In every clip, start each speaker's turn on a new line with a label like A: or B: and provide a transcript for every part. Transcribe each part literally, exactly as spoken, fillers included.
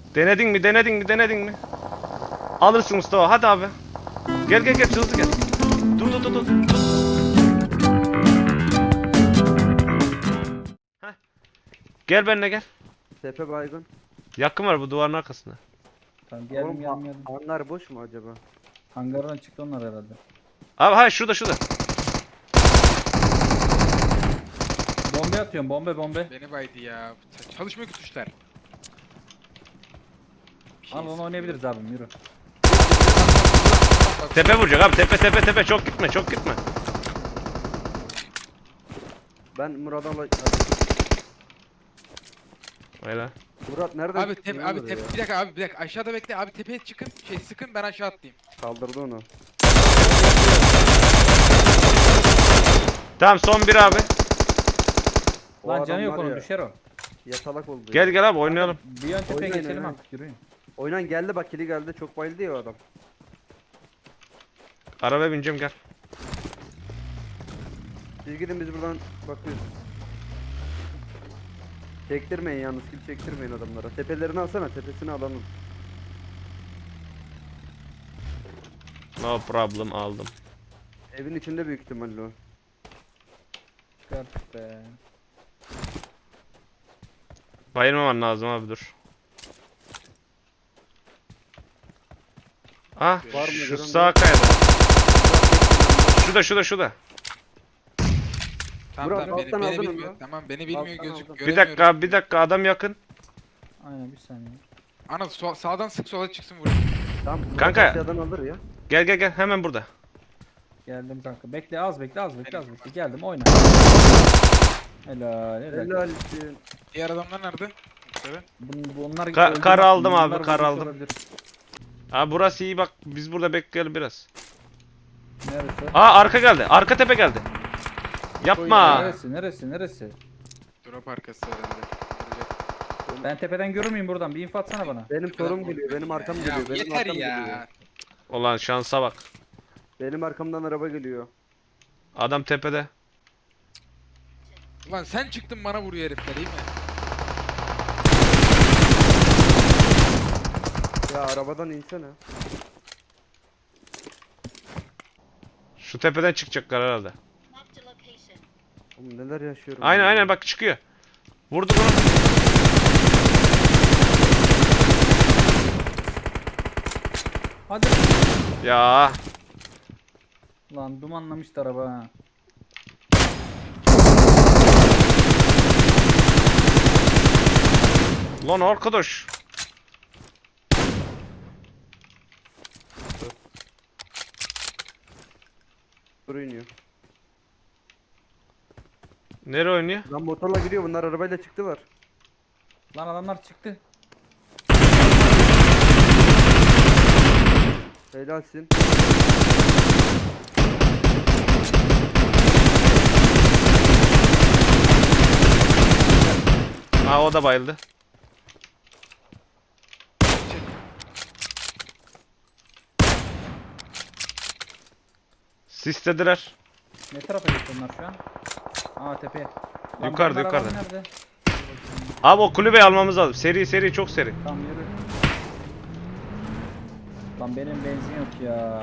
A: Denedin mi denedin mi denedin mi? Alırsın Mustafa hadi abi. Gel gel gel hızlı gel. Dur dur dur dur. Heh. Gel benimle gel.
B: Tepe baygın.
A: Yakın var bu duvarın arkasında.
C: Tamam geldim
B: Oğlum,
C: geldim geldim.
B: Hangar boş mu acaba?
C: Hangardan çıktı onlar herhalde.
A: Abi hayır şurada şurada.
C: Bombe atıyorum bombe bombe.
D: Beni baydı ya. Çalışmıyor ki tuşlar. Bir şey
C: Al onu
D: sıkıyor.
C: oynayabiliriz abim yürü.
A: Tepe vuracak abi tepe tepe tepe çok gitme çok gitme.
B: Ben Murat'a la...
A: Öyle.
B: Murat nereden
D: Abi
B: çıktın
D: tepe
B: lan
D: abi
B: buraya?
D: tepe bir dakika abi bir dakika aşağıda bekle abi tepeye çıkın şey sıkın ben aşağı atlayayım.
B: Kaldırdı onu.
A: Tamam son bir abi.
B: O
C: Lan
B: adam
C: canı yok
B: var
C: onun
B: ya,
C: düşer o.
B: Yatalak oldu.
A: Gel
B: ya.
A: gel abi oynayalım.
C: Bir yan tepeye
B: Oynayın,
C: geçelim
B: oynayın.
C: artık yürüyün.
B: Oynan geldi bak kili geldi. Çok bayıldı ya o adam.
A: Arabaya bineceğim gel.
B: Siz gidin biz buradan bakıyoruz. Çektirmeyin yalnız kill çektirmeyin adamlara. Tepelerini alsana tepesini alalım.
A: No problem aldım.
B: Evin içinde büyük ihtimalle o.
C: Çıkarttık be.
A: Bayılmaman lazım abi dur. Ah
B: Var mı
A: şu
B: görün
A: sağ
B: mü?
A: kayada. Şurada şurada şurada.
D: Tamam
B: Murat,
D: tamam beni,
B: alttan
D: beni
B: aldın
D: bilmiyor.
B: onu.
D: Tamam beni bilmiyor
B: Alttan
D: gözük
B: aldın.
A: Bir
D: göremiyorum.
A: dakika abi bir dakika adam yakın.
C: Aynen bir saniye.
D: Ana sol, sağdan sık sola çıksın vurayım.
B: Tamam. Murat
A: Kanka.
B: aşağıdan alır ya.
A: Gel gel gel hemen burada.
C: Geldim kanka. Bekle az bekle az bekle az bekle. Geldim oyna. Helal helal.
B: Helal olsun.
D: Diğer adamlar nerede? Şöyle.
C: Bun, bunlar
A: Ka-
C: öldü
A: kar
C: bak,
A: aldım
C: bunlar
A: abi, kar
C: vurmuş
A: aldım.
C: olabilir.
A: Abi burası iyi bak biz burada bekleyelim biraz.
C: Neresi?
A: Aa arka geldi arka tepe geldi. Yapma.
C: Neresi neresi neresi?
D: Drop arkası herhalde. Vuracak.
C: Ben tepeden görür müyüm buradan? Bir info atsana bana.
B: Benim sorum geliyor. Benim arkam
D: Ya
B: geliyor. Benim
D: yeter
B: arkam
D: ya.
B: geliyor.
A: Ulan şansa bak.
B: Benim arkamdan araba geliyor.
A: Adam tepede.
D: Ulan sen çıktın bana vuruyor herifler iyi mi?
B: Ya arabadan insene.
A: Şu tepeden çıkacaklar herhalde.
E: Marked a location.
B: Oğlum neler yaşıyorum.
A: Aynen
B: ya.
A: aynen bak çıkıyor. Vurdu bunu.
C: Hadi.
A: Ya.
C: Lan dumanlamıştı araba ha.
A: Lan arkadaş.
B: Dur iniyor.
A: Nereye oynuyor?
B: Lan motorla gidiyor bunlar arabayla çıktılar.
C: Lan adamlar çıktı.
B: Helalsin.
A: Aa o da bayıldı. Sislediler.
C: Ne tarafa gitti onlar şu an? Aa tepeye. Lan
A: Yukarıda,
C: benim arabam
A: yukarıda.
C: Nerede?
A: Abi o kulübeyi almamız lazım. Seri seri çok seri.
C: Tamam yürü. Lan benim benzin yok ya.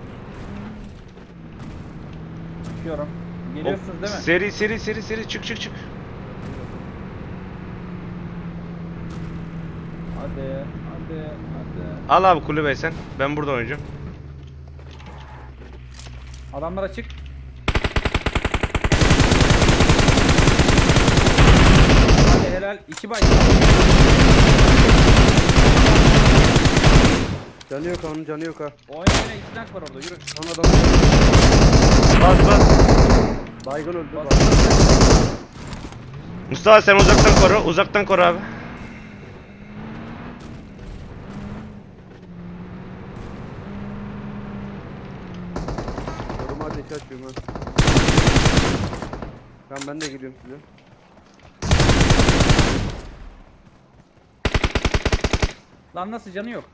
C: Çıkıyorum. Geliyorsunuz değil mi?
A: Seri seri seri seri çık çık çık.
C: Hadi hadi hadi.
A: Al abi kulübeyi sen. Ben burada oynayacağım.
C: Adamlar açık. Hadi helal. İki bay.
B: Canı yok onun canı yok ha.
C: Oyna oyna iki tank var orada yürü.
B: Son adam.
A: Bas bas.
B: Baygın öldü.
C: Bas.
B: Baygın.
A: Mustafa sen uzaktan koru. Uzaktan koru abi.
B: Koruma ateşi açıyorum ha. Tamam ben de geliyorum size.
C: Lan nasıl canı yok?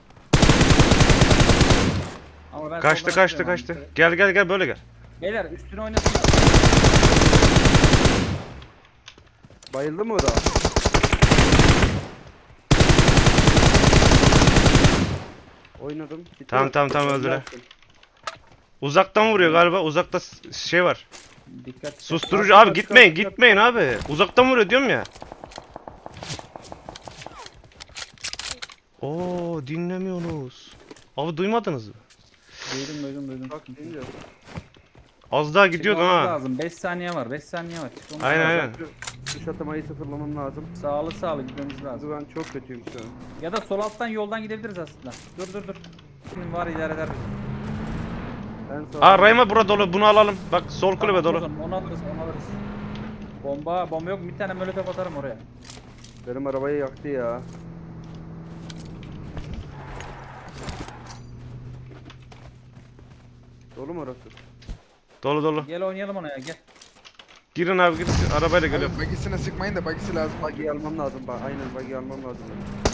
C: Ama ben
A: Kaçtı
C: soldan
A: kaçtı
C: atıyorum
A: kaçtı.
C: abi.
A: Gel gel gel böyle gel.
C: Beyler üstüne oynasın.
B: Bayıldı mı o da? Oynadım. Gitti
A: Tamam,
B: mi?
A: tamam, tamam, öldüre.
B: Gelsin.
A: Uzaktan vuruyor galiba. Uzakta s- şey var.
C: Dikkat.
A: Susturucu
B: Arka,
A: abi, gitmeyin
B: arka, arka.
A: gitmeyin abi. Uzaktan vuruyor diyorum ya. Oo, dinlemiyorsunuz. Abi duymadınız mı?
C: Duydum duydum duydum.
B: Bak deyince.
A: Az daha gidiyordun
C: Çıkmamız
A: ha.
C: lazım. beş saniye var. beş saniye var. Çıkmamız
A: Aynen,
C: lazım.
A: aynen.
B: Şu, şu şatamayı sıfırlamam lazım.
C: Sağlı sağlı gitmemiz lazım.
B: Çünkü ben çok kötüyüm şu an.
C: Ya da sol alttan yoldan gidebiliriz aslında. Dur dur dur. Şimdi var idare eder bizi.
B: En sağ.
A: Aa, Rayma burada dolu, bunu alalım. Bak sol kulübe
C: Tamam,
A: dolu.
C: o zaman Onu alırız onu alırız. Bomba bomba yok mu? Bir tane molotof atarım oraya.
B: Benim arabayı yaktı ya. Dolu mu orası?
A: Dolu dolu.
C: Gel oynayalım ona ya gel.
A: Girin abi, girin. Arabayla geliyorum.
D: Abi bagisine sıkmayın da bagisi lazım.
B: Buggy'i almam lazım bak. Aynen buggy'i almam lazım. benim.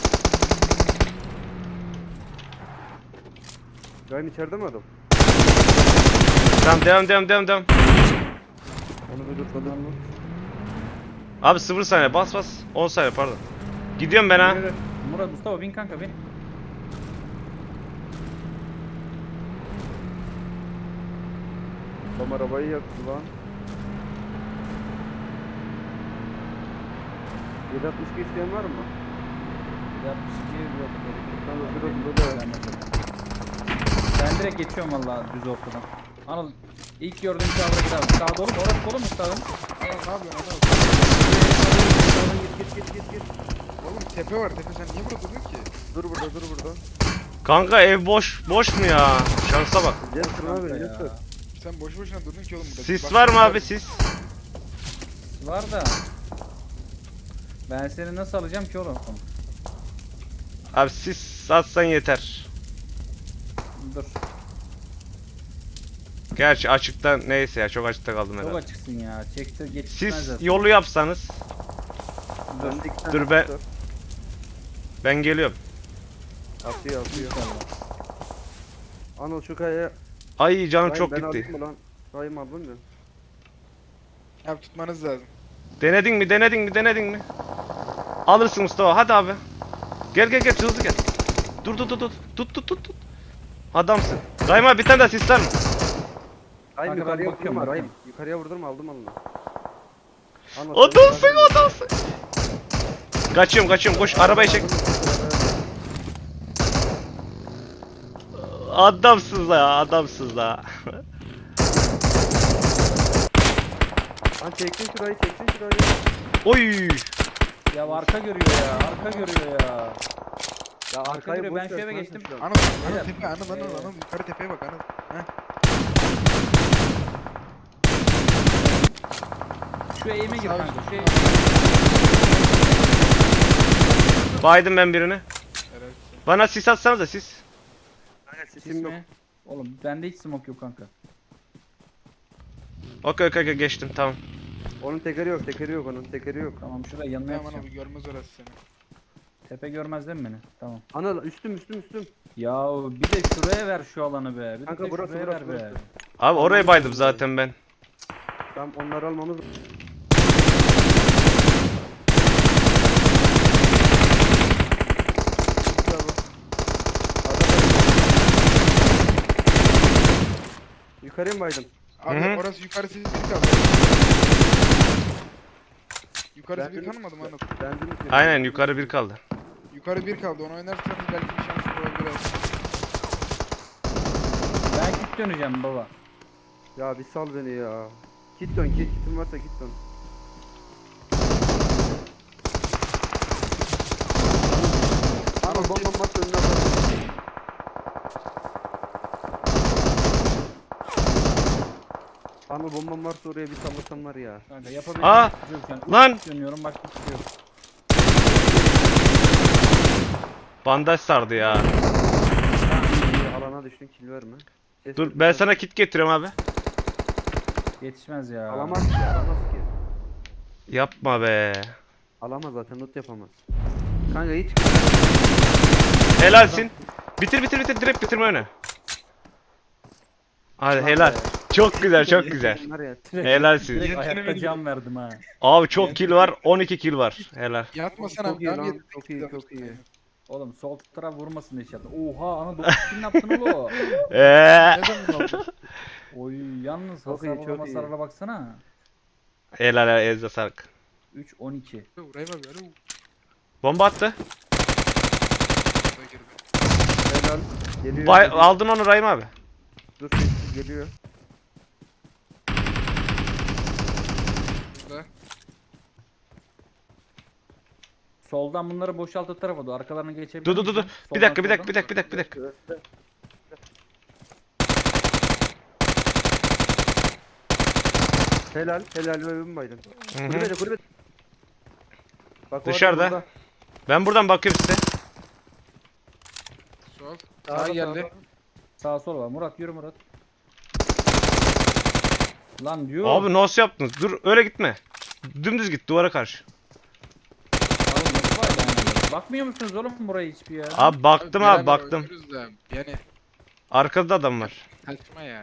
B: Ryan içeride mi adam?
A: Tamam, devam devam devam devam.
B: Onu bir tutmadım mı?
A: Abi sıfır saniye, bas bas. on saniye pardon. Gidiyorum ben ha.
C: Yürü, yürü. Murat Mustafa bin kanka bin.
B: Tam arabayı yaktı lan. yedi altmış iki isteyen var mı?
C: altmış iki yok. gerek yok.
B: Tamam, biraz
C: Benim
B: böyle.
C: gelmedi. Ben direkt geçiyorum valla düz ortadan. Anıl ilk gördüğüm kavra gidelim. Sağ dolu mu? Orası dolu mu sağın?
D: Adam ne yapıyorsun adam?
B: Sağdan git git git git git.
D: Oğlum tepe var tepe sen niye burada duruyorsun ki?
B: Dur burada dur burada.
A: Kanka ev boş. Boş mu ya? Şansa bak.
B: Gel şuna abi
C: Kanka
B: gel
C: ya.
B: sür.
D: Sen boş boşuna durdun ki oğlum burada.
A: Sis
D: Bak-
A: var mı abi, sis?
C: Var da. Ben seni nasıl alacağım ki oğlum?
A: Abi sis atsan yeter.
C: Dur.
A: Gerçi açıkta neyse ya, çok açıkta kaldım
C: Çok
A: herhalde.
C: açıksın ya. Çekti geçmez
A: Siz
C: zaten.
A: yolu yapsanız
C: Dur.
B: Önde iki tane
A: Dur be.
B: sis var.
A: ben geliyorum.
B: Atıyor atıyor.
C: İnşallah.
B: Anıl şu kayaya.
A: Ay canım
B: Ryan,
A: çok
B: ben
A: gitti.
B: alayım mı lan? Ryan aldın mı?
D: Abi tutmanız lazım.
A: Denedin mi, denedin mi, denedin mi? Alırsın Mustafa, hadi abi. Gel gel gel, hızlı gel. Dur dur dur dur. Tut tut tut tut. Adamsın. Rayma bir tane daha sis var mı?
B: Ryan
C: Kanka ben
B: yukarıya
C: bakıyorum,
B: vurdurma Ryan.
C: bakıyorum.
B: Yukarıya vurdurma aldım Anıl'ı. Anıl,
A: Adamsın,
B: sen yukarıya-
A: adamsın. Kaçıyorum kaçıyorum, koş arabayı çek. Adamsınız ya, adamsınız da.
B: Lan çektin şurayı çektin şurayı.
A: Oy.
C: Ya arka görüyor ya. Arka görüyor ya.
B: Ya
C: Arka
B: arkayı
C: görüyor.
B: boş
C: Ben şu
B: ver
C: eve
B: kanka
C: geçtim.
B: şu an.
D: Anıl,
C: Beyler.
D: Anıl tepe, Anıl, Anıl,
C: Ee.
D: Anıl. Yukarı tepeye bak Anıl. Heh.
C: Şu eğime gir
D: Sağ
C: kanka.
D: üst.
C: Şu eğime.
A: Baydım ben birini.
D: Helal olsun.
A: Bana sis atsanız da sis.
B: Kanka
C: Sis
B: sesim yok.
C: mi? Oğlum bende hiç smoke yok kanka.
A: Okey okey okey, geçtim tamam.
B: Onun tekeri yok tekeri yok onun tekeri yok.
C: Tamam şuraya yanına
D: Tamam
C: yapacağım.
D: Anıl görmez orası seni.
C: Tepe görmez değil mi beni? Tamam.
B: Anıl üstüm üstüm üstüm.
C: Ya bir de şuraya ver şu alanı be. Bir
B: Kanka
C: de
B: burası,
C: şuraya
B: burası,
C: ver be.
B: burası.
A: Abi oraya baydım zaten ben.
B: Tamam onları almamız. Yukarıya mı baydın?
D: Abi
A: Hı hı.
D: orası yukarısı bir kaldı. Yukarısı bir
B: Benzin-
D: kalmadı mı Anıl?
B: Benzin bitmedi.
A: Aynen, yukarı bir kaldı.
D: Yukarı bir kaldı. Onu oynarsanız belki bir şansınız olabilir.
C: Ben git döneceğim baba.
B: Ya bir sal beni ya. Kit dön kit kitin varsa kit dön. Anıl bomba bak önüne bak. Anıl bombam varsa oraya bir sallasan var ya.
C: Kanka yapabileceğim
A: Aa,
C: bir şey yok yani.
A: lan!
C: Üç dönüyorum bak bir şey yok.
A: Bandaj sardı ya.
B: Tamam, iyi, alana düştün kill verme. Ses
A: Dur
B: tutma.
A: ben sana kit getiriyorum abi.
C: Yetişmez ya.
B: Alamaz ki alamaz ki.
A: Yapma be.
B: Alamaz zaten loot yapamaz. Kanka hiç
A: Helalsin. Bitir bitir bitir, direkt bitirme öne. Hadi helal. Çok güzel çok güzel.
B: Var ya,
A: Helalsin.
C: Direkt
D: Yetişene
C: ayakta
D: beni
C: can verdim ha.
A: Abi çok kill var, on iki kill var. Helal.
D: Yatmasan
B: Çok
D: abi.
B: iyi
D: Abi
B: lan,
D: yet-
B: çok iyi, çok iyi.
C: Oğlum sol taraf vurmasın inşallah. Oha ana dokuz kill yaptın oğlum.
A: Eee.
D: Neden bunu aldın?
C: Oy yalnız
B: Çok iyi,
C: hasarla
B: çok iyi.
C: masarla baksana.
A: Helal helal elinize sağlık.
C: üç on iki.
D: Vurayım abi. Alo.
A: Bomba attı.
D: Burada girdi.
B: Helal. Geliyor.
A: Bay,
B: geliyor.
A: aldın onu Rahim abi.
B: Dur sessiz geliyor.
D: Burada.
C: Soldan bunları boşaltı tarafa doğru. Arkalarına geçebilir
A: Dur dur dur dur.
C: misin?
A: Bir
C: Soldan,
A: dakika bir dakika
C: soldan.
A: bir dakika bir dakika bir dakika.
B: Önde. Helal. Helal ve övün baydın.
A: Hı hı.
B: Kulübede kulübede. Bak, o adam
A: Dışarıda.
B: burada.
A: Ben buradan bakıyorum size.
D: Sol.
B: Sağda,
D: Sağ geldi.
B: sağda.
C: Sağ sol var. Murat yürü Murat. Lan diyor.
A: Abi nasıl yaptınız? Dur öyle gitme. Dümdüz git duvara karşı.
C: Abi nasıl var yani? Bakmıyor musunuz oğlum buraya hiçbir ya?
A: Abi baktım
D: beraber
A: abi baktım.
D: oynuyoruz da, Yani
A: Arkada adam var.
D: kaçma ya.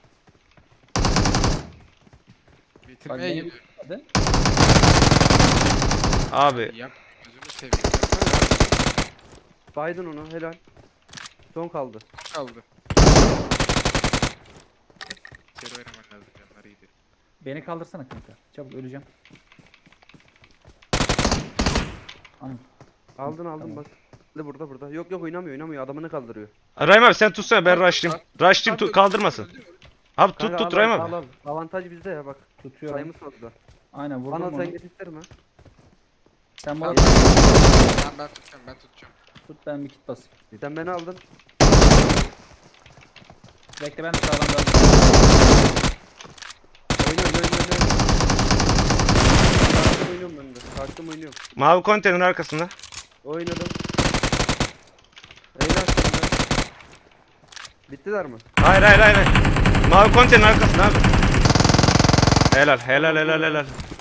C: Bak
D: Bitirmeye
C: beni
D: gidiyor.
C: hadi.
A: Abi
D: Yap. Gözümü seveyim. Yapma
B: Baydın onu helal. Son kaldı.
D: ya. Kaldı. İçeri oynaman lazım. Canları iyiydi.
C: Beni kaldırsana kanka. Çabuk öleceğim. Anam.
B: Aldın aldın
C: Tamam.
B: bak. Burada burada burada. Yok yok oynamıyor oynamıyor. Adamını kaldırıyor.
A: Rahim abi sen tutsana ben rushlayayım. Rushlayayım tu- kaldırmasın. Abi tut
B: Kanka,
A: tut
B: al,
A: Rahim
B: al,
A: abi.
B: al, al. Avantaj bizde ya bak.
C: Tutuyorum.
B: Sayımız fazla.
C: Aynen vurdum
B: Bana
C: onu.
B: sen getirtirme.
C: Sen bana
D: Ben, ben tutacağım. Ben tutacağım.
C: tut ben bir kit basayım.
B: Sen beni aldın.
C: Bekle ben de sağdan da.
B: Oynuyorum oynuyorum oynuyorum. Kalktım oynuyorum ben de. Kalktım oynuyorum.
A: Mavi konteynerin arkasında.
B: Oynadım. Eyle açtım ben. Bittiler mi?
A: Hayır hayır hayır. hayır. Mavi konteynerin arkasında abi. Helal helal helal helal.